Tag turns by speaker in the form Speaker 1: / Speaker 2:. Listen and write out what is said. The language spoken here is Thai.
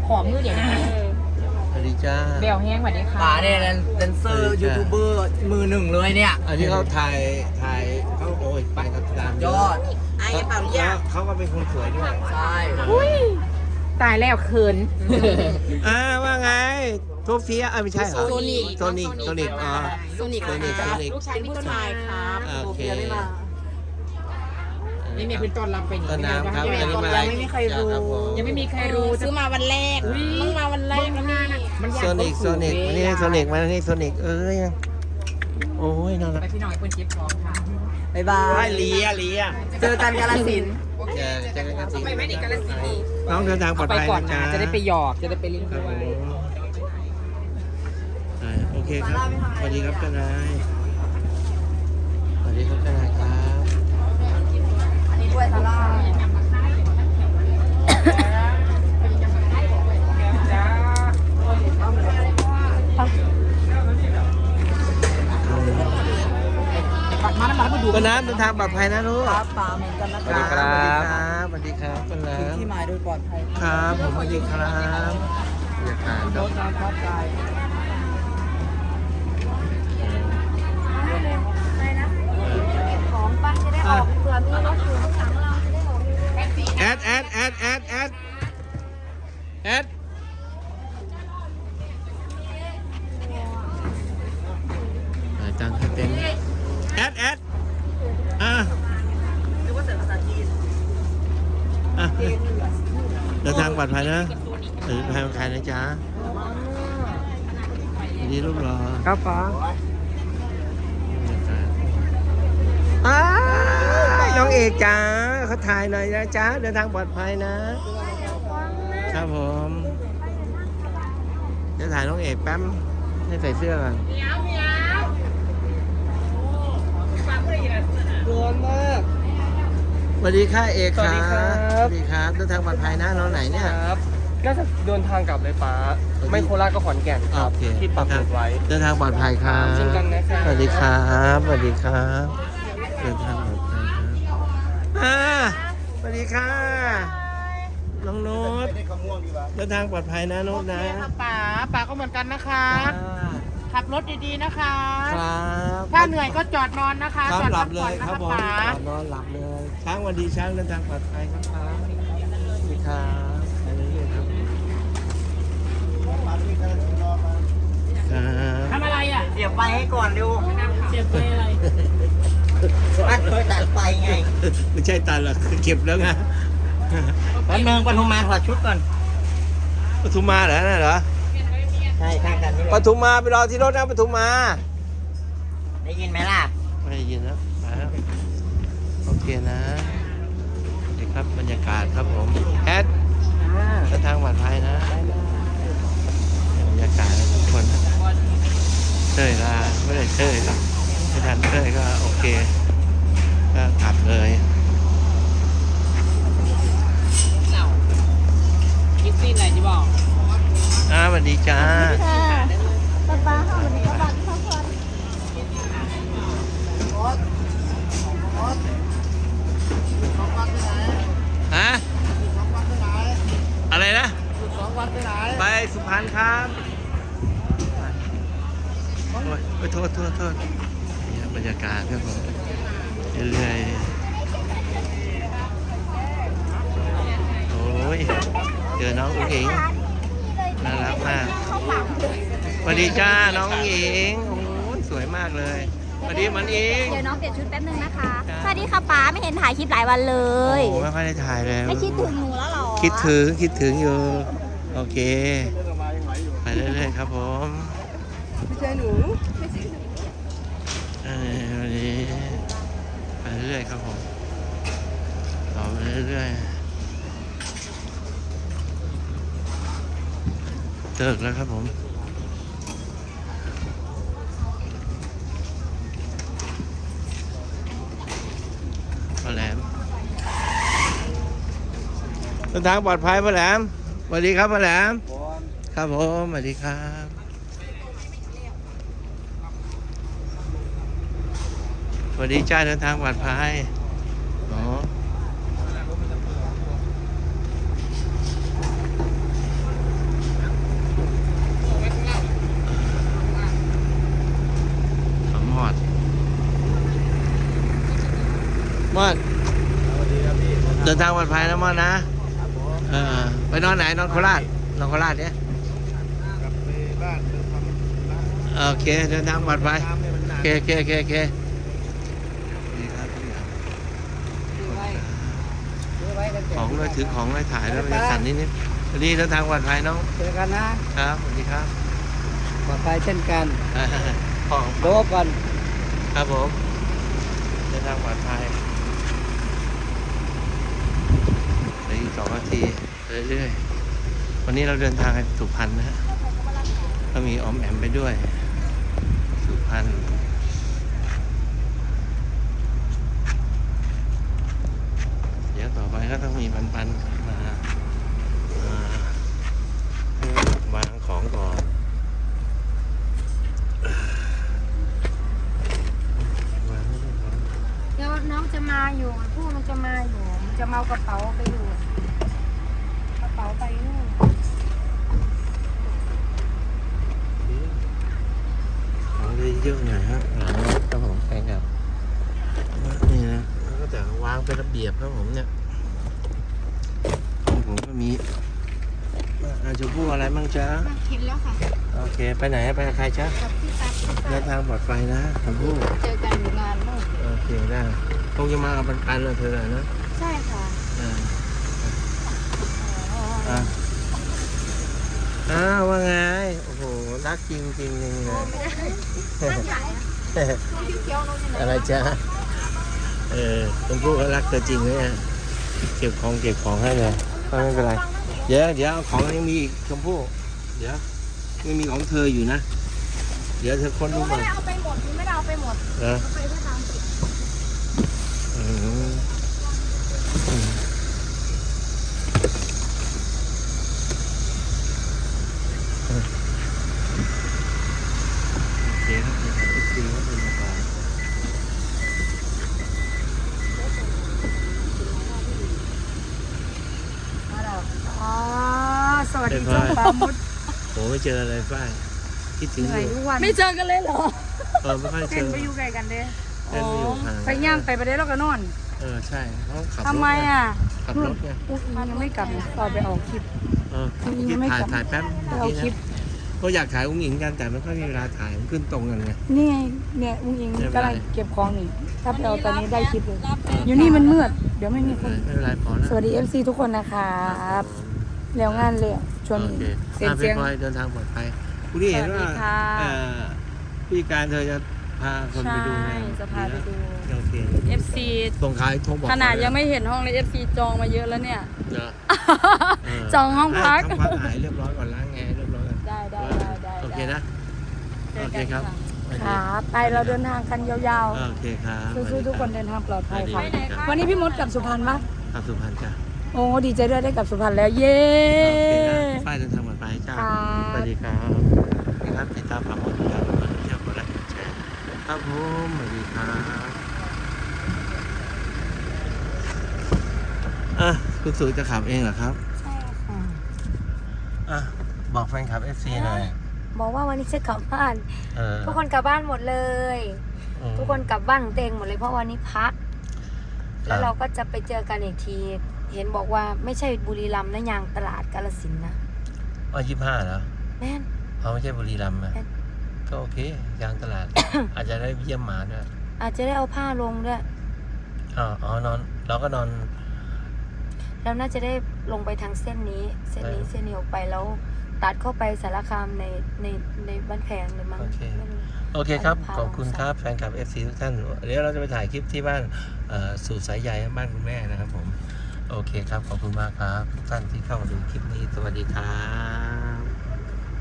Speaker 1: ขอบมือเดี๋ยว
Speaker 2: สวัสดีจ้า
Speaker 1: เบลแห้งสวัสดีค่ะ
Speaker 3: ป๋าเนี่ยแดนเซอร์ยูทูบเบอร์มือหนึ่งเลยเนี่ย
Speaker 2: อันนี้เขาถ่ายเขาโอ้ยไปกับตาม
Speaker 3: ยอด
Speaker 1: ไอ้เปล่าเรียก
Speaker 2: เขาก็เป็นคนสวยด้วย
Speaker 3: ใช่
Speaker 1: อุ้ยตายแล้วเขิน
Speaker 2: ว่าไงโทเฟียไม่ใช่เหรอ
Speaker 1: โซนิก
Speaker 2: โซนิกอ๋อ
Speaker 1: โซนิก
Speaker 2: โซนิก
Speaker 1: ลูกชายพี่ต้นไม้ครับ
Speaker 2: โอเค
Speaker 1: นี่เนี่ยเป็นต้นรับไปนี่
Speaker 2: ต้นน้ำครับ
Speaker 1: ยัง
Speaker 2: อันนี้มา
Speaker 1: ไม่มีใครรู้
Speaker 2: ครับผม
Speaker 1: ยังไม่มีใครรู้ซื้อมาวันแรกต้องมาวันแรกนะมัน
Speaker 2: โซนิกมานี่โซนิกเอ้ยโอ้ยน่ารัก
Speaker 1: ไปพี่น้องไอ้คนเจ็บท้องค่ะ
Speaker 3: บ๊ายบา
Speaker 2: ไอ้
Speaker 3: ย
Speaker 2: เลีย
Speaker 3: เจอกันกาฬสินธุ์
Speaker 2: เจอกันสิ
Speaker 1: ไปไม่ได้กันละสิ
Speaker 2: น้องเดินทางปลอด
Speaker 1: ไป
Speaker 2: ภัย
Speaker 1: ก่อน
Speaker 2: นะ
Speaker 1: นะ
Speaker 2: จ๊ะ
Speaker 1: จะได้ไปหยอกจะได้ไปเล่น
Speaker 2: ครับ
Speaker 1: ด้
Speaker 2: ผ
Speaker 1: วย
Speaker 2: มโอเคครับสวัสดีครับเจ้านายสวัสดีครับเจ้านายครับ
Speaker 3: อันนี้ด้วยซาร่า
Speaker 1: มาแล้วมาดู
Speaker 2: ต้นน้ำเดินทางปลอดภัยนะลูก
Speaker 3: ครับป๋าเหมือนกันนะ
Speaker 2: สวัสดีครับสวัสดีครับต้นน้
Speaker 3: ถึงที่หมายโดยปลอดภัย
Speaker 2: ำครับผมสวัสดีครับบรรยากาศค
Speaker 3: ร
Speaker 2: รับ
Speaker 3: ถน้ำพัดกาย
Speaker 4: ของป้าจะได้ออกเผื่อมีรถอยู่ข้างหลังเราจะได้ออก
Speaker 2: แอดจังเต็มแอดอ่ะเดินทางปลอดภัยนะเดินทางปลอดภัยนะจ๊ะดีรูปรอ
Speaker 3: ครับป๋า
Speaker 2: น้องเอกจ๋าเขาถ่ายหน่อยนะจ๊ะเดินทางปลอดภัยนะครับผมจะถ่ายน้องเอกแป๊บให้ใส่เสื้อก่อน
Speaker 3: ร้อนมาก
Speaker 2: สวัสดีค่ะเอกครับ
Speaker 3: สวัสดีครับ
Speaker 2: สวัสดีครับเดินทางปลอดภัยนะน้องไหนเนี่ย
Speaker 3: ครับน่าจะเดินทางกลับเลยป๋าไม่โคราชก็ขอนแก่นครับ
Speaker 2: โอเค
Speaker 3: ที่ปักหมุดไว้
Speaker 2: เดินทางปลอดภัยครับ
Speaker 3: เช่นกันนะครับ
Speaker 2: สวัสดีครับสวัสดีครับเดินทางปลอดภัยครับสวัสดีค่ะน้องโน้ตเดินทางปลอดภัยนะโน้ตนะ
Speaker 1: ป๋าก็เหมือนกันนะคะ ขับรถดีๆนะคะ
Speaker 2: ครับ
Speaker 1: ถ้าเหนื่อยก็จอดนอนนะคะ
Speaker 2: ครับ
Speaker 1: จอด
Speaker 2: หลั
Speaker 1: พั
Speaker 2: บ
Speaker 1: ก
Speaker 2: เล
Speaker 1: ผ่อน
Speaker 2: ย
Speaker 1: นะครับ
Speaker 2: ผม
Speaker 1: ป๋า
Speaker 2: นอนหลับเลยช้างวันดีช้างเดินทางปลอดภัยครับครับสวัสดีครับไปเรื่อยๆครับครับ
Speaker 1: ทำอะไรอ่ะ
Speaker 3: เดี๋ยวไปให้ก่อนเร็ว
Speaker 1: เสียบไปอะไร
Speaker 3: อันเคยตัดไฟไง
Speaker 2: ไม่ใช่ตันหรอกคือเก็บแล้วไง
Speaker 3: แป๊บนึงปทุมมาถอดชุดก่อน
Speaker 2: ปทุมมาเหรอน่ะเหรอ
Speaker 3: ใช่ข้างกันนี่แห
Speaker 2: ป
Speaker 3: ละ
Speaker 2: ทุมมาไปรอที่รถนะปทุมมา
Speaker 3: ได้ยินไหมล่ะ
Speaker 2: ไม่ได้ยินแล้วมาแล้วโอเคนะนี่ครับบรรยากาศครับผมแอดเดินทางปลอดภัยนะบรรยากาศนะทุกคนเต้ยลาไม่ได้เต้ยหรอกไม่ทันเต้ยก็โอเคก็กลับเลย
Speaker 1: คิดซีนไหนที่บอก
Speaker 2: สวัสดีจ้า
Speaker 4: ค่ะป้าค่ะวันนี้ก็บัตรเข้าคน
Speaker 2: ฮะอะไรนะ
Speaker 3: 2 วันไปไหน
Speaker 2: ไปสุพรรณครับโอ้ยโทษนี่ครับบรรยากาศครับผมเรื่อยๆโอ้ยเจอน้องอุ้งอิงน่ารักมาก
Speaker 4: เข้าปั๊ม
Speaker 2: สวัสดีจ้าน้องอุ้งอิงโอ้ยสวยมากเลยสวัสดีมันอิง
Speaker 4: เดี๋ยวน้องเปลี่ยนชุดแป๊บนึงนะคะ
Speaker 2: จ้า
Speaker 4: สวัสดีค่ะป้าไม่เห็นถ่ายคลิปหลายวันเล
Speaker 2: โอ้
Speaker 4: ย
Speaker 2: ไม่ค่อยได้ถ่ายเลย
Speaker 4: ไม่คิดถึงหนูแล้วเหรอ
Speaker 2: คิดถึงอยู่โอเคไปเรื่อยๆครับผม
Speaker 3: ไม่ใช่หนู
Speaker 2: วันนี้ไปเรื่อยๆครับผมต่อไปเรื่อยๆเลิกแล้วครับผมพ่อแหลมเดินทางปลอดภัยพ่อแหลมสวัสดีครับพ่อแหลมครับผมสวัสดีครับสวัสดีจ้าเดินทางปลอดภัยอ๋ออดภัยนะมอนนะไปนอนไหนนอนโคราชนอนโคราชเนี่ย
Speaker 1: กลับไปบ้านไปทำร้าน
Speaker 2: โอเคเดินทางปลอดภัย
Speaker 1: น้ำให้มันหนั
Speaker 2: โอก เคดีครับพี่ครับของด้วยถือของด้วยถ่ายด้วยจะสั่นนิดๆสวัสดีเดินทางปลอดภัยน้อง
Speaker 3: เจอกันนะครับ
Speaker 2: สวัสดีครับ
Speaker 3: ปลอดภัยเช่นกัน
Speaker 2: ของ
Speaker 3: โดบก่อน
Speaker 2: ครับผมเดินทางปลอดภัยเหลืออีก2 นาทีเรื่อยๆวันนี้เราเดินทางไปสุพรรณนะฮะก็มีออมแอมไปด้วยสุพรรณเดี๋ยวต่อไปก็ต้องมีปันๆมาวางของก่อนวางไม่ได้วาง
Speaker 4: เดี๋ยวน้องจะมาอยู่ผู้มันจะมาอยู่มันจะมาเอากระเป๋าไปอยู่กระเป๋าไปนู่น
Speaker 2: ของได้เยอะหน่อยฮะหลังรถครับผมแฟนกับนี่นะแล้วก็จะวางเป็นระเบียบครับผมเนี่ยของผมก็มีชมพู่อะไรบ้างจ๊ะ
Speaker 4: มาเห็นแล้วค่ะ
Speaker 2: โอเคไปไหนไปกับใครจ๊ะ
Speaker 4: กับพี่ตั๊ก
Speaker 2: เดินทางปลอดภัยนะชมพู่
Speaker 4: เจอกันอยู่งานนู่น
Speaker 2: โอเคได้คงจะมากับปันๆเลยเธอนะ
Speaker 4: ใช่ค่ะ
Speaker 2: ว่าไงโอ้โหรักจริงๆเลยนะ
Speaker 4: นั่นใหญ่ตัวเขียวๆนู่นอยู่ไหน
Speaker 2: อะไรจ๊ะชมพู่เขารักเธอจริงเลยเก็บของให้เลยไม่เป็นไรเดี๋ยวเอาของยังมีอีกชมพู่เดี๋ยวยังมีของเธออยู่นะเดี๋ยวเธอค้น
Speaker 4: หนู
Speaker 2: ดู
Speaker 4: ไม่
Speaker 2: ก่อน
Speaker 4: ได้เอาไปหมดหนูไม่ได้เอาไปหมด
Speaker 2: นะ
Speaker 4: เอาไปแค่30
Speaker 2: โอเคครับดีครับเป็นมาก่อน
Speaker 4: อ๋อสวัสดีจ้าปามุด
Speaker 2: โหไม่เจออะไรป้ายคิดถึง
Speaker 4: เหนื่อย
Speaker 2: อ
Speaker 4: ทุ
Speaker 2: ยู่
Speaker 4: กวันไม่เจอกันเลยเหรอ
Speaker 2: ไม่ค่อยเจ
Speaker 4: เป็น
Speaker 2: อ
Speaker 4: ไปอยู่ไกลกันเด้
Speaker 2: เล่นไม่อยู่ห่าง
Speaker 4: ไปย่างไปประเดี๋ยวเราก็นอน
Speaker 2: ใช่เขาขับรถ
Speaker 4: ทำไมอ่ะ
Speaker 2: ขับรถไง
Speaker 4: อุ๊ยยังไม่กลับตอนไปออกคลิป
Speaker 2: คิดถ่ายแป๊บ
Speaker 4: ไปเอาคลิป
Speaker 2: ก็อยากถ่ายอุ้งอิงกันแต่ไม่ค่อยมีเวลาถ่ายมันขึ้นตรงกันไง
Speaker 4: นี่ไงเนี่ยอุ้งอิง
Speaker 2: ไม่เป็นไร
Speaker 4: กำลังเก็บของนี่ถ้าไปเอาตอนนี้ได้คลิปเลยอยู่นี่มันมืดเดี๋ยวไม่มีคน
Speaker 2: ไม่เป็นไรพอแล้ว
Speaker 4: สวัสดี FC ทุกคนนะครับแล้วงานเลยช่วง
Speaker 2: โอ
Speaker 4: นี้
Speaker 2: เค
Speaker 4: เสียง
Speaker 2: พี่พลอยเดินทางปลอดภัยคุณที่เห็นว่า
Speaker 4: สวัสดีค่ะ
Speaker 2: พี่การเธอจะพาคนไปดูงาน
Speaker 4: ใช่จะพาไปดู
Speaker 2: โอเค
Speaker 4: FC
Speaker 2: ส่งขายโทรบอก
Speaker 4: ขนาดยังไม่เห็นห้องเลย FC จองมาเยอะแล้วเนี่ย
Speaker 2: เนอะ
Speaker 4: จองห้องพัก
Speaker 2: ห้องพักหายเรียบร้อยก่อนล้างแอร์เรียบร้อยก่อน
Speaker 4: ได้
Speaker 2: โอเคนะโอเคครับ
Speaker 4: ครับไปเราเดินทางกันยาว
Speaker 2: โอเคครับ
Speaker 4: ๆสู้ๆทุกคนเดินทางปลอดภัยค่ะ
Speaker 2: ไปไหนคะ
Speaker 4: วันนี้พี่มดกลับสุพรรณปะ
Speaker 2: ครับสุพรรณจ้ะ
Speaker 4: โอ้ดีใจด้วยได้กลับสุพรรณแล้วเย้
Speaker 2: โอเคนะป้ายเดินทางปลอดภัยจ้า
Speaker 4: ครับ
Speaker 2: สวัสดีครับนี่ครับติดตามข่าวสารของเที่ยวกดไลค์กดแชร์ครับผมสวัสดีครับคุณสุจะขับเองเหรอครับ
Speaker 4: ใช่ค่ะ
Speaker 2: บอกแฟนคลับ FC หน่อย
Speaker 4: บอกว่าวันนี้จะกลับบ้าน
Speaker 2: เออ
Speaker 4: ทุกคนกลับบ้านหมดเลย
Speaker 2: อืม
Speaker 4: ทุกคนกลับบ้านเต็งหมดเลยเพราะวันนี้พัก
Speaker 2: ครับ
Speaker 4: แล้วเราก็จะไปเจอกันอีกที เห็นบอกว่าไม่ใช่บุรีรัมย์นะยางตลาดกาฬสินธุ์นะ
Speaker 2: 25เหรอ
Speaker 4: แม่น
Speaker 2: เขาไม่ใช่บุรีรัมย์อะ
Speaker 4: เอ๊ะ
Speaker 2: ก็โอเคยางตลาด อาจจะได้เยี่ยมหมาด้วย
Speaker 4: อาจจะได้เอาผ้าลงด้วย
Speaker 2: นอนเราก็นอน
Speaker 4: แล้วน่าจะได้ลงไปทางเส้นนี้เส้นนี้ออกไปแล้ว ตัดเข้าไปสารคามในบ้านแพงเลยมั้ง
Speaker 2: โอเค
Speaker 4: ไม่รู้
Speaker 2: โอเคครับ
Speaker 4: พา
Speaker 2: ขอบคุณครับแฟนคลับ FC ทุกท่านเดี๋ยวเราจะไปถ่ายคลิปที่บ้านสู่สายใยบ้านคุณแม่นะครับผมโอเคครับขอบคุณมากครับทุกท่านที่เข้ามาดูคลิปนี้สวัสดีครับ